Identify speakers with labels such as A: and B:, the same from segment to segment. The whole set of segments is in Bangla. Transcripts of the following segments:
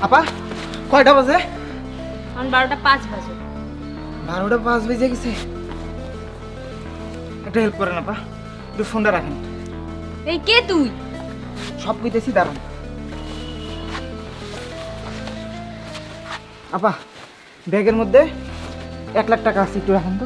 A: আপা কয়টা বাজে?
B: এখন 12:05 বাজে।
A: 12:05 বেজে গেছে। একটা হেল্প করেন আপা, একটু ফোনটা রাখেন।
B: এই কে তুই?
A: সব কইতেছি, দাঁড়ান। আপা ব্যাগের মধ্যে 1 লাখ টাকা আছে, একটু রাখেন তো।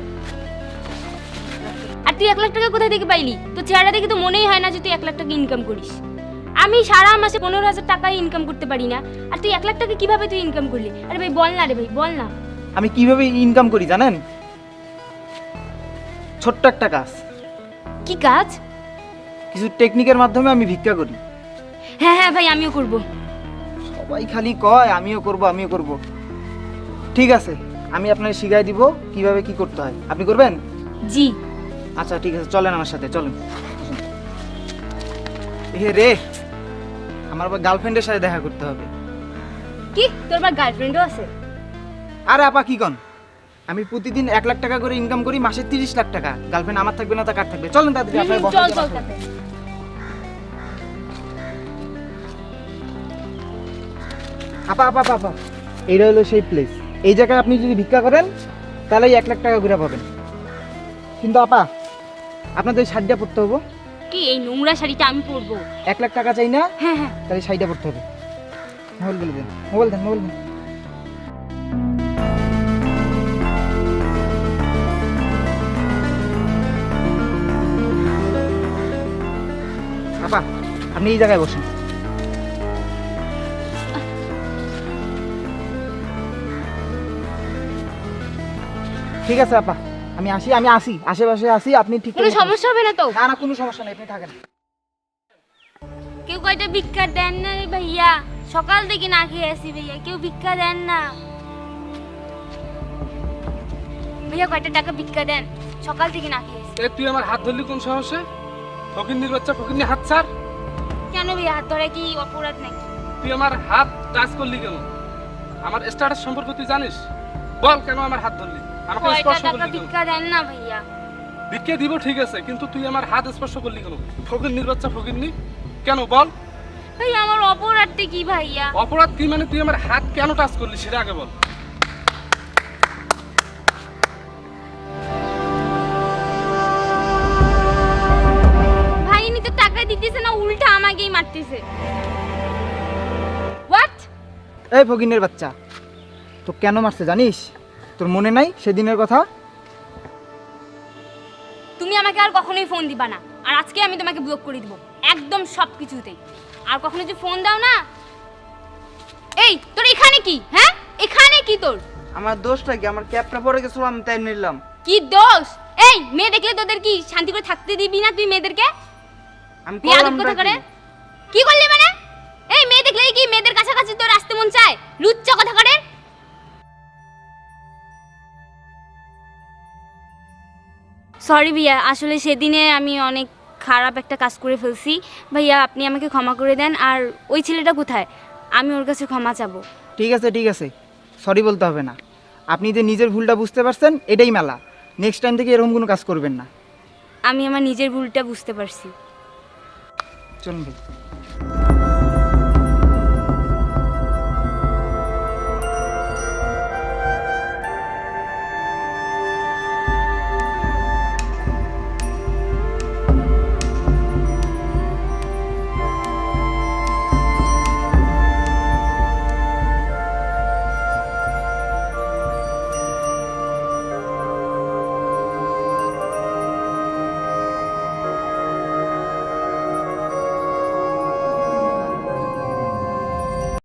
B: আর তুই 1 লাখ টাকা কোথায় থেকে পাইলি? তোর চেহারা দেখে তো মনেই হয় না যে তুই 1 লাখ টাকা ইনকাম করিস। আমি সারা মাসে 15,000 টাকা ইনকাম করতে পারি না, আর তুই 1 লাখ টাকা কিভাবে তুই ইনকাম করলি? আরে ভাই বল না, রে ভাই বল না।
A: আমি কিভাবে ইনকাম করি জানেন? ছোট্ট একটা কাজ,
B: কি কাজ?
A: কিছু টেকনিকের মাধ্যমে আমি ভিক্ষা করি।
B: হ্যাঁ হ্যাঁ ভাই, আমিও করব।
A: সবাই খালি কয় আমিও করব আমিও করব। ঠিক আছে, আমি আপনাকে শিখাই দিব কিভাবে কি করতে হয়। আপনি করবেন?
B: জি।
A: আচ্ছা ঠিক আছে, চলেন আমার সাথে, চলেন। এ রে, আমার আবার গার্লফ্রেন্ডের সাথে দেখা করতে হবে।
B: কি তোর আবার গার্লফ্রেন্ডও আছে?
A: আরে আপা কি কন, আমি প্রতিদিন 1 লাখ টাকা করে ইনকাম করি, মাসে 30 লাখ টাকা। গার্লফ্রেন্ড আমার থাকবে না তা কার থাকবে? চলেন তাড়াতাড়ি, আপনার বসে
B: চল চল তাতে।
A: আপা আপা আপা আপা, এইটা হলো সেই প্লেস। এই জায়গায় আপনি যদি ভিক্ষা করেন তাহলে 1 লাখ টাকা ঘুরে পাবেন। কিন্তু আপা আপনাদের শাড়িটা পরতে হবে।
B: কি এই নোংরা শাড়িটা আমি পরবো?
A: 1 লাখ টাকা চাই না,
B: হ্যাঁ হ্যাঁ।
A: তাহলে শাড়িটা পরতে হবে। মোবাইল বলে দেন, মোবাইল দেন, মোবাইল দেন। আপা আপনি এই জায়গায় বসেন। ঠিক আছে আপা, আমি আসি আশেপাশে আসি, আপনি ঠিক
B: কোনো সমস্যা হবে না তো?
A: না না, কোনো সমস্যা নেই, আপনি থাকেন।
B: কেউ কয়টা ভিক্ষা দেন না রে ভাইয়া? সকাল থেকে না খেয়ে আসি ভাইয়া, কেউ ভিক্ষা দেন না ভাইয়া। কয়টা টাকা ভিক্ষা দেন, সকাল থেকে না খেয়ে আসি।
C: এ তুই আমার হাত ধরলি কোন সাহসে? ফকিন্নির বাচ্চা, ফকিন্নি হাত ছাড়।
B: কেন ভাইয়া, হাত ধরা কি অপরাধ নাকি?
C: তুই আমার হাত টাচ করলি কেন? আমার স্ট্যাটাস সম্পর্কে তুই জানিস? বল কেন আমার হাত ধরলি, আমাকে
B: কয়টা
C: স্পর্শ
B: টাকা
C: করলি কেন?
B: ভিক্ষা দেন না ভাইয়া?
C: ভিক্ষে দিব ঠিক আছে, কিন্তু তুই আমার হাত স্পর্শ করলি কেন? ফকিন্নির বাচ্চা, ফকিন্নি কেন বল?
B: ভাইয়া আমার অপরাধটা কি ভাইয়া?
C: অপরাধ কি মানে? তুই আমার হাত কেন টাচ করলি সেটা আগে বল।
B: ভাই ইনি তো টাকা দিতেছে না, উল্টা আমাকেই মারতেছে। হোয়াট?
A: এই ফকিনের বাচ্চা, তো কেন মারছে জানিস? তোর মনে নাই সেদিনের কথা?
B: তুমি আমাকে আর কখনোই ফোন দিবা না, আর আজকে আমি তোমাকে ব্লক করে দিব একদম সবকিছুতেই। আর কখনো যদি ফোন দাও না। এই তোর এখানে কি? হ্যাঁ এখানে কি তোর?
D: আমার দোষটা কি? আমার ক্যাপটা পরে গেছিল, আমি তাই নিলাম।
B: কি দোষ? এই মেয়ে দেখলে তোদের কি শান্তি করে থাকতে দিবি না তুই মেয়েদেরকে?
D: আমি
B: বিয়াদব
D: করলাম
B: কথা
D: নাকি?
B: করে কি করলি মানে? এই মেয়ে দেখলেই কি মেয়েদের কাছাকাছি তোর আসতে মন চায়? লুচ্চা কথা করে। সরি ভাইয়া, আসলে সেদিনে আমি অনেক খারাপ একটা কাজ করে ফেলছি ভাইয়া, আপনি আমাকে ক্ষমা করে দেন। আর ওই ছেলেটা কোথায়? আমি ওর কাছে ক্ষমা চাবো।
A: ঠিক আছে, সরি বলতে হবে না। আপনি যে নিজের ভুলটা বুঝতে পারছেন এটাই মেলা। নেক্সট টাইম থেকে এরকম কোনো কাজ করবেন না।
B: আমি আমার নিজের ভুলটা বুঝতে পারছি।
A: চলুন ভাই।